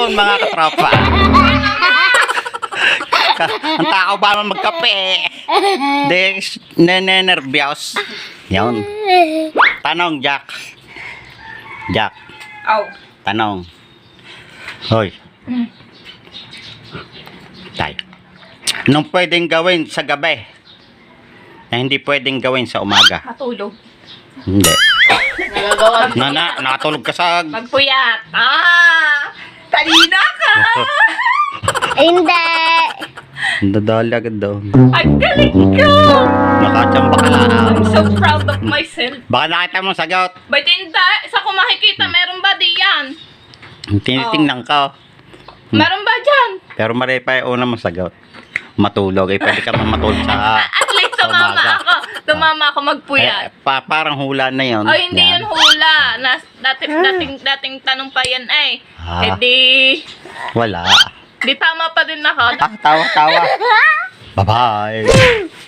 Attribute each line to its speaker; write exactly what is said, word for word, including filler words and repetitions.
Speaker 1: yun, mga katropa. Ang tao ba naman magkape? Di, nenenervyos. Yun. Tanong, Jack. Jack,
Speaker 2: Aw.
Speaker 1: tanong. Hoy. Tay. Anong pwedeng gawin sa gabi na hindi pwedeng gawin sa umaga?
Speaker 2: Matulog.
Speaker 1: Hindi.
Speaker 2: Nagagawa.
Speaker 1: Na, na, nakatulog ka sa...
Speaker 2: Magpuyat. Ah! Talina ka!
Speaker 3: Hindi.
Speaker 1: Dadali agad daw.
Speaker 2: Ang galing ko!
Speaker 1: Nakachamba ka lang.
Speaker 2: I'm so proud of myself.
Speaker 1: Baka nakita mo sagot.
Speaker 2: Ba't hindi? Sa kung makikita, meron ba diyan?
Speaker 1: Tinitingnan ka.
Speaker 2: Meron ba dyan?
Speaker 1: Pero mali pa yung una mong sagot. Matulog. Eh, pwede ka mamatulog sa...
Speaker 2: At least
Speaker 1: sa
Speaker 2: tumama
Speaker 1: umaga.
Speaker 2: ako. Tumama ako magpuyat.
Speaker 1: Eh, pa, parang hula na yun.
Speaker 2: Oh, hindi
Speaker 1: Yan.
Speaker 2: yun hula. Nas, dati, dating, dating tanong pa yan eh.
Speaker 1: Ah.
Speaker 2: Eh di,
Speaker 1: Wala.
Speaker 2: di tama pa din ako.
Speaker 1: Ah, tawa, tawa. Bye-bye.